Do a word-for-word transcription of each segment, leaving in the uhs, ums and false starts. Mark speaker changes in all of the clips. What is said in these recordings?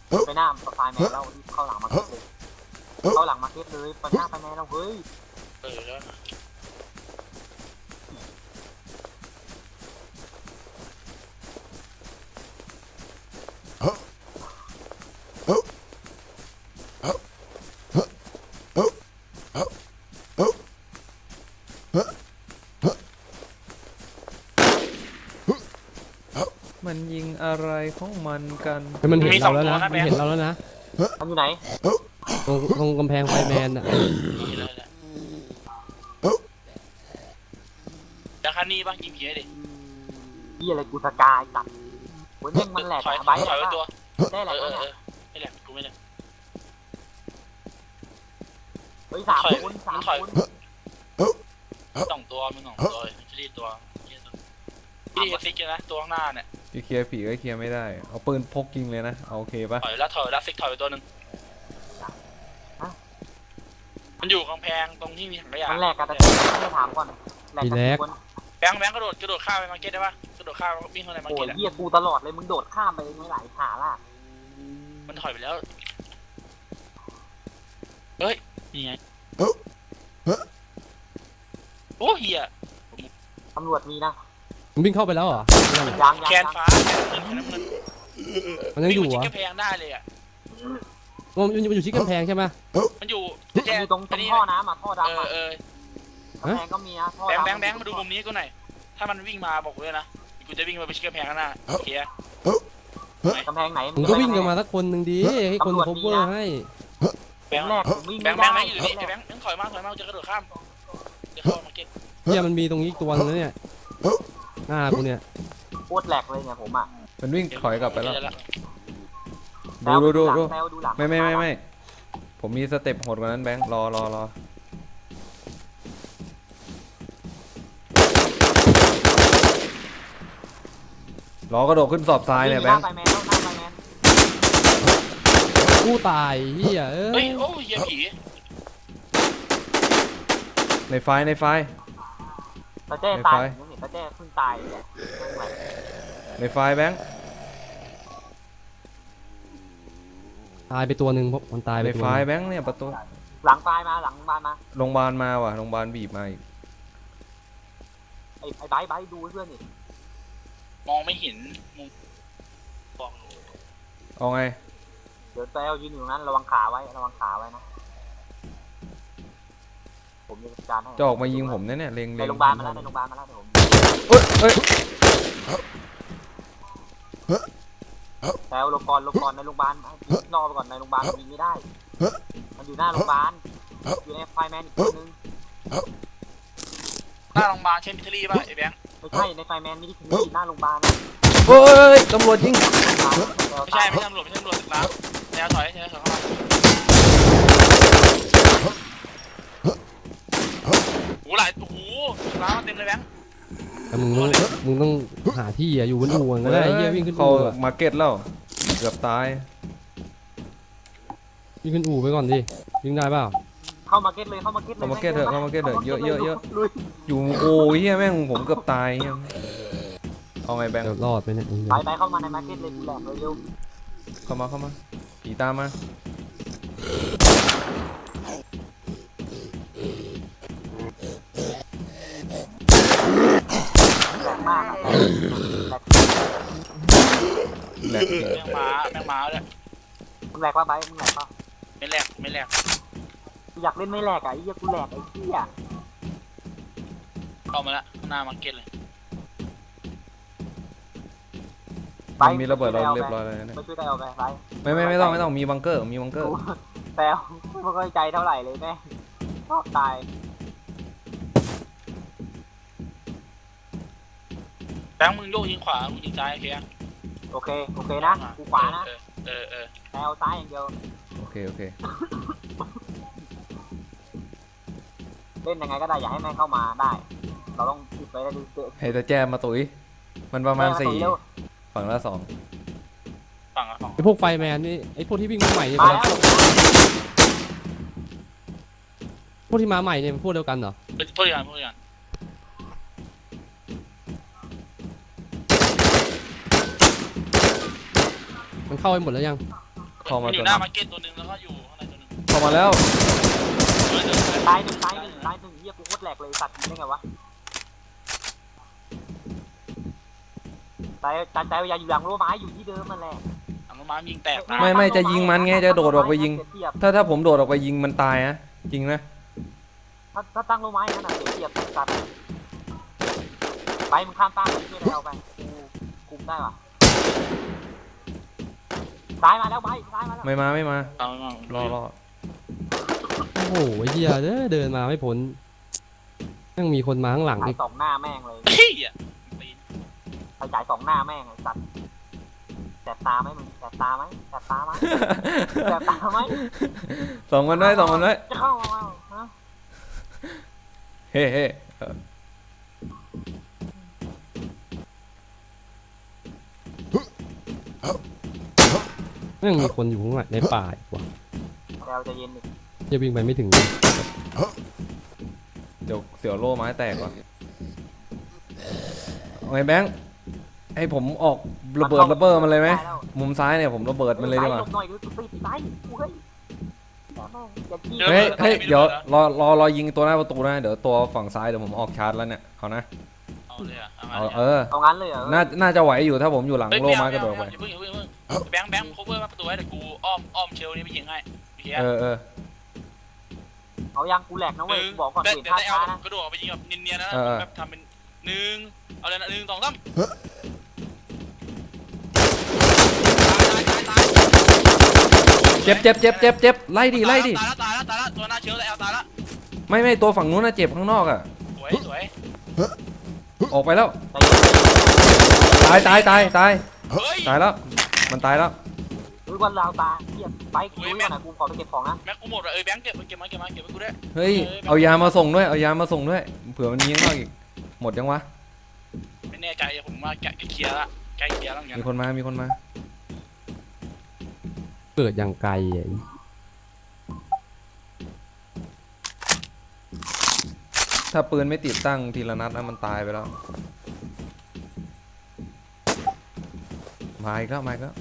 Speaker 1: ไปหน้าไฟแมนเราเข้าหลังมาเก็ตเลยเข้าหลังมาเก็ตเลยไปหน้าไฟแมนเราเฮ้ย
Speaker 2: เออแล้ว
Speaker 3: มันยิงอะไรของมันกัน
Speaker 4: มันเห็นเราแล้วนะมันเห็นเราแล้วนะ
Speaker 1: มันอยู่ไหน
Speaker 4: ตรงตรงกำแพงไฟแมนอ่ะ
Speaker 2: จะคันนี้บ้างยิงผีดิ
Speaker 1: ยี่อะไรกูสกายตัดโอ้ยแม่งมันแหลกใบถอยตัวได้แหลกแล้วเนี่ย
Speaker 2: ไม่แหลกกูไม่แหลก
Speaker 1: เฮ้ยสามคนสามคน
Speaker 2: สองตัวมึงสองตัวชีตัวพี่ซิกนะตัวข้างหน้าเนี่ย
Speaker 3: ที่เคลียร์ผีก็เคลียร์ไม่ได้เอาปืนพกยิงเลยนะเอาโอเคปะ
Speaker 2: ถอยแล้วถอยแล้วซิกถอยไปตัวหนึ่งมันอยู่กำแพงตรงที่มีถังขยะ
Speaker 1: มันแหลกกันแต่ไม่ถามก่อน
Speaker 4: แหลก
Speaker 2: แบงค์แบงค์กระโดดกระโดดข้ามไปมาร์เก็ตได้ปะกระโดดข้ามวิ่งเข้าในมาร์เก็ต
Speaker 1: โอ้ยเหี้ยกูตลอดเลยมึงโดดข้ามไปไม่ไหลขาล่ะ
Speaker 2: มันถอยไปแล้วเฮ้ยนี่ไงโอ้เหี้ย
Speaker 1: ตำรวจมีนะ
Speaker 4: มันวิ่งเข้าไปแล้วเหรอ
Speaker 2: แคนฟ้า
Speaker 4: มันยังอยู่
Speaker 2: อ่ะกำแพงได้เลยอ่ะ
Speaker 4: มันอยู่มันอยู่ที่กำแพงใช่ไหม
Speaker 2: มันอยู่
Speaker 1: อยู่ตรงท่อน้ำอ่ะท่อดำ
Speaker 2: อ่ะเออ
Speaker 1: กำแพงก็มีนะ
Speaker 2: แบงค์แบงค์แบงค์มาดูมุมนี้กูหน่อยถ้ามันวิ่งมาบอกกูเลยนะกูจะวิ่งไปชิดกำแพงข้างหน้าโอเค
Speaker 1: กำแพงไหน
Speaker 4: มึงก็วิ่งกันมาสักคนหนึ่งดีให้คนพบเวอร์ให้
Speaker 2: แบงค์แบงค์แบงค์แบงค์อยู่นี่แบงค์แบงค์ถอยมาถอยมาจะกระโดดข้ามจะเข้ามาเก็ต
Speaker 4: เนี่ยมันมีตรงนี้ตัวนึงเนี่ยหน้ากูเนี่ย
Speaker 1: โคตรแหลกเลยเนี่ยผมอ่ะ
Speaker 3: มันวิ่งถอยกลับไปแล้วดูดูดูดูไม่ไม่ไม่ไม่ผมมีสเต็ปโหดกว่านั้นแบงค์รอรอรอรอกระโดดขึ้นสอบทรายเนี่ยแบงค์
Speaker 4: กูตายเฮียเอ้
Speaker 2: ยโอ้ยเฮียผี
Speaker 3: ในไฟในไฟ
Speaker 1: ตาเจ้ตายตาเจ้เพิ่งตาย
Speaker 3: ในไฟแบงค์
Speaker 4: ตายไปตัวหนึ่งเพราะมันตายไป
Speaker 3: ในไฟแบงค์เนี่ยประตู
Speaker 1: หลังไฟมาหลังบ้านมา
Speaker 3: โรงพยาบาลมาว่ะโรงพยาบาลบีบมาอีก
Speaker 1: ไอ้ไอ้ไบไบดูเพื่อนนี่
Speaker 2: มองไม่เห็นมุมบอก
Speaker 3: เอาไง
Speaker 1: เดี๋ยวแซวยืนอยู่นั้นระวังขาไว้ระวังขาไว้นะผมจะจัดการให้
Speaker 3: จะออกมายิงผมเนี่ยเนี่ยเล็ง
Speaker 1: ในโรงพยาบาลมาแล้วในโรงพยาบาลมาแล้วเดี๋ยวผม
Speaker 3: เอ้ยเอ้ย
Speaker 1: แซวลงก่อนลงก่อนในโรงพยาบาลรอไปก่อนในโรงพยาบาลยิงไม่ได้มันอยู่หน้าโรงพยาบาลอยู่ในไฟแมนอีกคนนึง
Speaker 2: หน้าโรงพยาบาลเช่นมิทรีป่ะไอ้แบงค์
Speaker 1: ไม่ใช่ในไฟแมนมิทรีหน้าโรงพยาบาล
Speaker 3: เฮ้ยตำรวจยิง
Speaker 2: ไม่ใช่ไม่ใช่ตำรวจไม่ใช่ตำรวจแล้วแนวถอยแนวถอยเข้ามาโอ้หลายโอ้โหร้านเต็มเลยแบงค์
Speaker 4: แต่มึงต้องมึงต้องหาที่อ่ะอยู่บนอู่ก็ได้เฮียวิ่งขึ้น
Speaker 3: เขามาเก็ตแล้วเกือบตาย
Speaker 4: วิ่งขึ้นอู่ไปก่อนดิวิ่งได้เปล่า
Speaker 1: เข้ามาเก็ตเลยเข้ามาเก็ตเลย
Speaker 3: เข้ามาเก็ตเถอะเข้ามาเก็ตเถอะเยอะเยอะเยอะอยู่โอ้ยเฮียแม่งผมเกือบตายเฮียเอาไงแบงค์
Speaker 4: รอดไปเนี่ย
Speaker 1: ไปไปเข้ามาในมาเก็ตเลยกูแหลกเลยเร็ว
Speaker 3: เข้ามาเข้ามาผีตามมา
Speaker 1: แรงมาก
Speaker 3: แหลก
Speaker 2: แมงม้าแมงม้าเลย
Speaker 1: มึงแหลกป่ะไปมึงแหลกป่ะ
Speaker 2: ไม่แหลกไม่แหลก
Speaker 1: อยากเล่นไม่แหลกอ่ะไอ้เหี้ยกูแหลกไอ้เหี้ย
Speaker 2: เข้ามาละหน้ามาร์เก็ตเลย
Speaker 3: มีระเบิดเราเรียบร้อยเลย
Speaker 1: เนี่ยไม่ช่วยได้เอาไปไป
Speaker 3: ไม่ไม่ไม่ต้องไม่ต้องมีบังเกอร์มีบังเกอร์
Speaker 1: แปลไม่ค่อยใจเท่าไหร่เลยแม่ชอบตาย
Speaker 2: แบงค์มึงโยกยิงขวามึงยิงซ้ายโอเค
Speaker 1: โอเคโอเคนะกูขวานะ
Speaker 2: เออเออ
Speaker 1: แปลซ้ายอย่างเดียว
Speaker 3: โอเคโอเค
Speaker 1: เล่นยังไงก็ได้อย่าให้แม่เข้ามาได้เราต้องติดไปได้ดู
Speaker 3: ให้ตาแจมมาตุ๋ยมันประมาณสี่ฝั่งละสอง
Speaker 2: ฝั่งละสอง
Speaker 4: ไอพวกไฟแมนนี่ไอพวกที่วิ่งมาใหม่เนี่ยพวกที่มาใหม่เนี่ยพวกเดียวกันเหรอ
Speaker 2: พวกเดียวกันพวกเดียวกัน
Speaker 4: มันเข้าไปหมดแล้วยัง
Speaker 2: เ
Speaker 3: เข้ามา
Speaker 2: มันอ
Speaker 3: ตัว
Speaker 2: ยู่ห
Speaker 3: นึ
Speaker 2: น้าง มาร์เก็ตตัวหนึงแล้วก็อยู่ข้างในตัวหนึง
Speaker 3: เข้ามาแล้ว
Speaker 2: เฮ้ยเดี๋ยวเดี๋ยว
Speaker 1: ตายหนึ่งตายหนึ่งตายหนึ่งเฮียกูโคตรแหลกเลยสัตว์ยิงได้ไงวะตายตายตายอย่าอยู่หลังรั้วไม้อยู่ที่เดิมมันแหละ
Speaker 2: หลังต้นไม้ยิงแตกตาย
Speaker 3: ไม่ไม่จะยิงมันไงจะโดดออกไปยิง ถ้าถ้าผมโดดออกไปยิงมันตายนะจริงนะ
Speaker 1: ถ้าถ้าตั้งรั้วไม้ขนาดเสียบสัตว์ไปมึงข้ามตั้งไปช่วยเราไปกูคุมได้ปะซ้ายมาแล้วไปซ้ายมาแล้ว
Speaker 3: ไม่มาไม่มา
Speaker 2: เอาไม่เอา
Speaker 3: รอรอ
Speaker 4: โอ้โหไอ้เหี้ยเด้อเดินมาไม่พ้นยังมีคนมาข้างหลัง
Speaker 1: จ่า
Speaker 4: อี
Speaker 1: ย
Speaker 4: ก
Speaker 1: สองหน้าแม่งเลย
Speaker 2: เฮ้ยอ่ะปีน
Speaker 1: ไปจ่ายสองหน้าแม่งไอ้สัตว์แสบตาไหมมึงแสบตาไหมแสบตาไหมแสบตาไหม
Speaker 3: สองมันไว้สองมันไว้
Speaker 1: จะเข้ามาเอาฮะ
Speaker 3: เฮ้เฮ้เออ
Speaker 4: ยังมีคนอยู่ข้างหลังในป่าอีกว่ะ
Speaker 1: เราจะเย็นดิ
Speaker 4: จะวิ่งไปไม่ถึง
Speaker 3: เดี๋ยวเสียวโล่ไม้แตกว่ะเอาไงแบงค์ให้ผมออกระเบิดระเบิดมันเลยไหมมุมซ้ายเนี่ยผมระเบิดมันเลยดีกว่า
Speaker 1: หลบหน่อยดูสิไปไปกูเฮ้ยอย่าแม่งอย่าจี้
Speaker 3: เฮ้ยเฮ้ยเดี๋ยวรอรอรอยิงตัวหน้าประตูนะเดี๋ยวตัวฝั่งซ้ายเดี๋ยวผมออกชาร์จแล้วเนี่ยเอานะ
Speaker 2: เอาเลยอ่ะเอามา
Speaker 3: เอา
Speaker 2: เลย
Speaker 3: เออ
Speaker 1: เอางั้นเลยเหรอ
Speaker 3: น่าน่าจะไหวอยู่ถ้าผมอยู่หลัง
Speaker 2: เฮ้ย
Speaker 3: โล่
Speaker 2: ไม่
Speaker 3: ไม้
Speaker 2: เอา
Speaker 3: กระโดด
Speaker 2: ไม่
Speaker 3: ไป
Speaker 2: เอาอย่าเพิ่งอย่าเพิ่งอย่าเพิ่งแบงค์แบงค์โคเวอร์มาประตูไว้เดี๋ยวกูอ้อมอ้อมเชลนี่ไปยิงให้โอเค
Speaker 3: เออเออ
Speaker 1: เอายังกูแหลกนะเว้ยกูบอกก่อน
Speaker 2: เดี๋ยว
Speaker 1: เห็น
Speaker 2: เดี๋ยว
Speaker 1: ท่า
Speaker 2: ได้เอา
Speaker 1: ช้านะ
Speaker 2: กระโดดออกไปยิงแบบเนียนๆนะ
Speaker 3: เออเออ
Speaker 2: แบบทำเป็นหนึ่งเอาเลยนะหนึ่งสองสามตายตายตาย
Speaker 3: เจ็บเจ็บเจ็บเจ็บเจ็บไล่ดิไล่ดิ
Speaker 2: ตายแล้วตายแล้วตายแล้วตัวหน้าเชื้อแล้วตายแล้ว
Speaker 3: ไม่ไม่ตัวฝั่งนู้นน่ะเจ็บข้างนอกอ่ะ
Speaker 2: สวยสวย
Speaker 3: ออกไปแล้ว
Speaker 1: ใจเย็น
Speaker 3: ตายตายตายตาย
Speaker 2: เฮ้ย
Speaker 3: ตายแล้วมันตายแล้ว
Speaker 1: หรือวันลาวตาเทียบไปกูรู้ว่านะกูขอไปเก็บของนะ
Speaker 2: แม็กกูหมดเลยเอ้ยแบงค์เก็บเก็บมาเก็บมาเก็บมากูด้วย
Speaker 3: เฮ้ยเอายามาส่งด้วยเอายามาส่งด้วยเผื่อมันยิงข้างนอกอีกหมดยังวะ
Speaker 2: ไม่แน่ใจผมว่าแกะเคลียร์ละใกล้เคลียร์แล้วเหมือนกัน
Speaker 3: มีคนมามีคนมา
Speaker 4: เกิดอย่างไกลไอ้
Speaker 3: ถ้าปืนไม่ติดตั้งทีละนัดนะมันตายไปแล้วมาอีกแล้วมาอีกแล้ว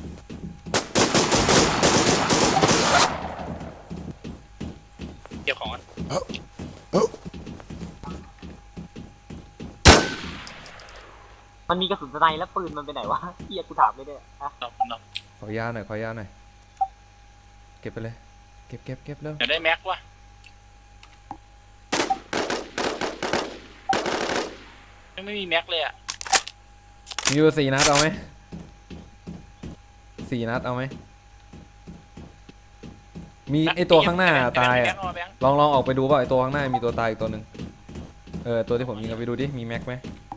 Speaker 2: เก็บของกัน
Speaker 1: มันมีกระสุนสไนแล้วปืนมันไปไหนวะเฮียกูถามเลยเนี่ยฮะ
Speaker 2: ดอกดอก
Speaker 3: ขอยาหน่อยขอยาหน่อยเก็บไปเลยเก็บเก็บเก็บแล้ว
Speaker 2: เดี๋ยวได้แม็กว่ะไม่มีแม็กเลยอ่ะ
Speaker 3: มีอยู่สี่นัดเอาไหมสี่นัดเอาไหมมีไอตัวข้างหน้าตายอ่ะลองลองออกไปดูว่าไอตัวข้างหน้ามีตัวตายอีกตัวหนึ่งเออตัวที่ผมยิงเอาไปดูดิมีแม็กไหม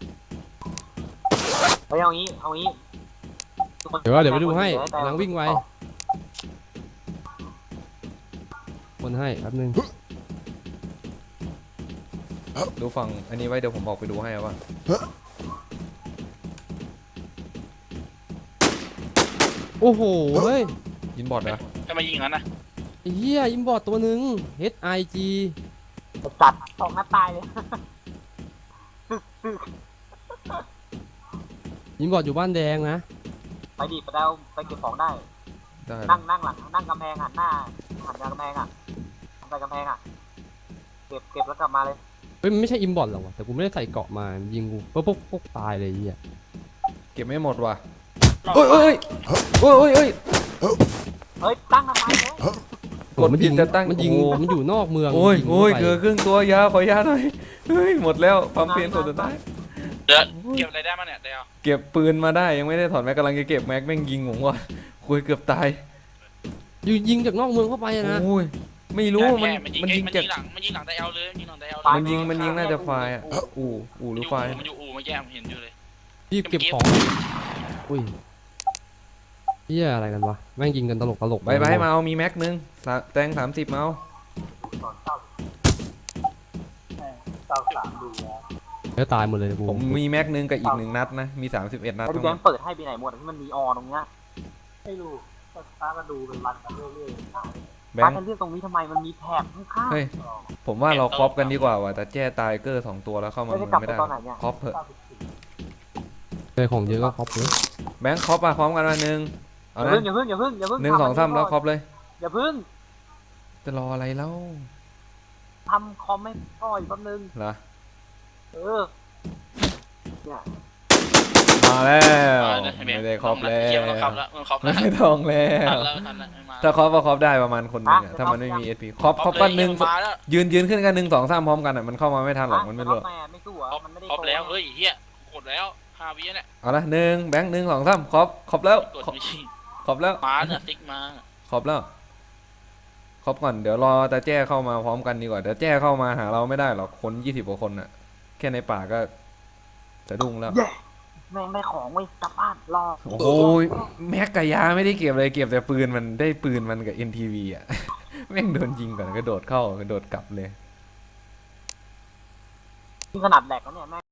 Speaker 1: เฮ้ยเอางี้เอางี้
Speaker 4: เดี๋ยวว่าเดี๋ยวไปดูให้กำลังวิ่งไวคนให้แป๊บนึง
Speaker 3: ดูฝั่งอันนี้ไว้เดี๋ยวผมออกไปดูให้ว่า
Speaker 4: โอ้โหเฮ้ย
Speaker 3: ยินบอดเหรอ
Speaker 2: จะมายิงงั้นนะ
Speaker 4: ไอ้เหี้ยอิมบอร์ตตัวหนึ่ง H I G
Speaker 1: จัดสองนัดตายเลย
Speaker 4: อิมบอร์ตอยู่บ้านแดงนะ
Speaker 1: ไปดิไปแล้วไปเก็บของได้
Speaker 3: ได้
Speaker 1: นั่งนั่งหลังนั่งกำแพงหันหน้าหันกำแพงอ่ะหันไปกำแพงอ่ะเก็บเก็บแล้วกลับมาเลย
Speaker 4: เฮ้ยมันไม่ใช่อิมบอร์ตหรอกว่ะแต่กูไม่ได้ใส่เกราะมายิงกูปุ๊บปุ๊บปุ๊บตายเลยไอ้เหี้ย
Speaker 3: เก็บไม่หมดว่ะโอ้ยโอ้ยโอ้ยโอ้ยโอ้ย
Speaker 1: เฮ้ยตั้งทำไมเนี่ย
Speaker 3: กดผิดจะตั้ง
Speaker 4: มันยิง
Speaker 3: โอ้โห
Speaker 4: มันอยู่นอกเมือง
Speaker 3: โอ้ย
Speaker 4: มันง
Speaker 3: โอ้ย
Speaker 4: ข้าไป
Speaker 3: เกือครึ่งตัวยาขอยาหน่อยเฮ้ยหมดแล้วความเพียรสุดท้าย
Speaker 2: เดี๋ยวเก็บอะไรได้มาเนี่ยเดี๋ยว
Speaker 3: เก็บปืนมาได้ยังไม่ได้ถอดแม็กกำลังจะเก็บแม็กแม่งยิงผมก่อนคุยเกือบตาย
Speaker 4: อยู่ยิงจากนอกเมืองเข้าไปอะนะ
Speaker 3: โอ้ยไม่รู้มัน
Speaker 2: มันยิง
Speaker 3: มันยิง
Speaker 2: มัน
Speaker 3: จาก
Speaker 2: ยิงหลังมันยิงหลังแต่เอลเลยมันยิงหลังแต่เอลเลย
Speaker 3: มันยิงมันยิงน่าจะไฟล์อ่ะอู่อู่หรือไฟล์
Speaker 2: มันอยู่อู่มันแย่มันเห็นอยู่เลย
Speaker 4: รีบเก็บของอุ้ยเหี้ยอะไรกันวะแม่งยิงกันตลกตลก
Speaker 3: ไปไปมาเอามีแม็กนึงสาแตงสามสิบมาเอา
Speaker 1: เก้าสามดูแล้ว
Speaker 4: แล้วตายหมดเลยกู
Speaker 3: ผมมีแม็กนึงกับอีกหนึ่งนัดนะมีสามสิบเอ็ดนัด
Speaker 1: ไอ้
Speaker 3: ทั้ง
Speaker 1: แบ
Speaker 3: หม
Speaker 1: ง
Speaker 3: ด
Speaker 1: ค์เปิดให้ไปไหนหมดที่มันมีออตรงเนี้ยไม่รู้ก็ตาก็ดูเป็นรันกันเรื่อยๆ
Speaker 3: แบ
Speaker 1: ตาง
Speaker 3: ค์
Speaker 1: กันเรื่องตรงนี้ทำไมมันมีแถบข้าง
Speaker 3: เฮ้ยผมว่าเราครอปกันดีกว่าว่ะแต่แจ้ตายเกอร์สองตัวแล้วเข้า
Speaker 1: ๆ
Speaker 3: มา
Speaker 1: ไม่
Speaker 3: เมื
Speaker 1: ได้
Speaker 3: อง
Speaker 1: กลับ
Speaker 3: ไม่
Speaker 1: ไป
Speaker 3: ได้
Speaker 1: ตอนไหนเนี่ย
Speaker 3: ครอปเถอะ
Speaker 4: เคยของเยอะก็ครอบเลย
Speaker 3: แบงค์ครอปอะพร้อมกันมาหนึ่งเอเอา
Speaker 1: อย่า
Speaker 3: นะ
Speaker 1: พึ่งอย่าพึ่งอย่าพึ่งอย่าพึ่ง
Speaker 3: หนึ่งสองสามแล้วครบเลย
Speaker 1: อย่าพึ่ง
Speaker 3: จะรออะไรแล้ว
Speaker 1: ทำคอมไม่พ่ออีกแป๊บนึง
Speaker 3: เหรอ
Speaker 1: เออเนี่ย
Speaker 3: มาแล้ว
Speaker 2: มาเลยให้แบง
Speaker 3: ไม่
Speaker 2: ค์
Speaker 3: ได้ครบแล้
Speaker 2: เกี่ยว
Speaker 3: ว
Speaker 2: มันครบแล้วมันครบแล้ว
Speaker 3: ไม่ต้องแล้
Speaker 2: ทั
Speaker 3: วน
Speaker 2: แล้วทันแล้วไม่มา
Speaker 3: ถ้าครบก็ครบได้ประมาณคนหนึงอะถ้ามันไม่มีเอสพีครบครบกันหนึ่ง
Speaker 2: มาแล้ว
Speaker 3: ยืนยืนขึ้นกันหนึ่งสองสามพร้อมกันอ่ะมันเข้ามาไม่ทันหรอกมันไม่รู้
Speaker 1: แม่ไม่สู้เหรอ
Speaker 2: ครบ
Speaker 1: มันไม่ได้
Speaker 2: ครบแล้ว
Speaker 1: โต
Speaker 2: เฮ้ยเฮียกดแล้วห้าวิเนี่ย
Speaker 3: เอาละหนึ่งแบงค์หนึ่งสองสามครบครบแล้ว
Speaker 2: กด
Speaker 3: ครบ
Speaker 2: ไม่ใช่
Speaker 3: ครบแล้ว
Speaker 2: มาเนี่ยติ๊กมา
Speaker 3: ครบแล้วครบก่อนเดี๋ยวรอตาแจ้เข้ามาพร้อมกันดีกว่าเดี๋ยวแจ้เข้ามาหาเราไม่ได้หรอกคนยี่สิบกว่าคนอ่ะ แค่ในป่าก็จะดุ้งแล้ว
Speaker 1: แม่งได้ของไว้กลับบ้านรอ
Speaker 3: โอ้โหแม็กกับยาไม่ได้เก็บเลยเก็บแต่ปืนมันได้ปืนมันกับ เอ็น ที วี อ่ะ แม่งโดนยิงก่อนกระโดดเข้ากระโดดกลับเลย
Speaker 1: ที่ขนาดแหลกแล้วเนี่ยแม่ง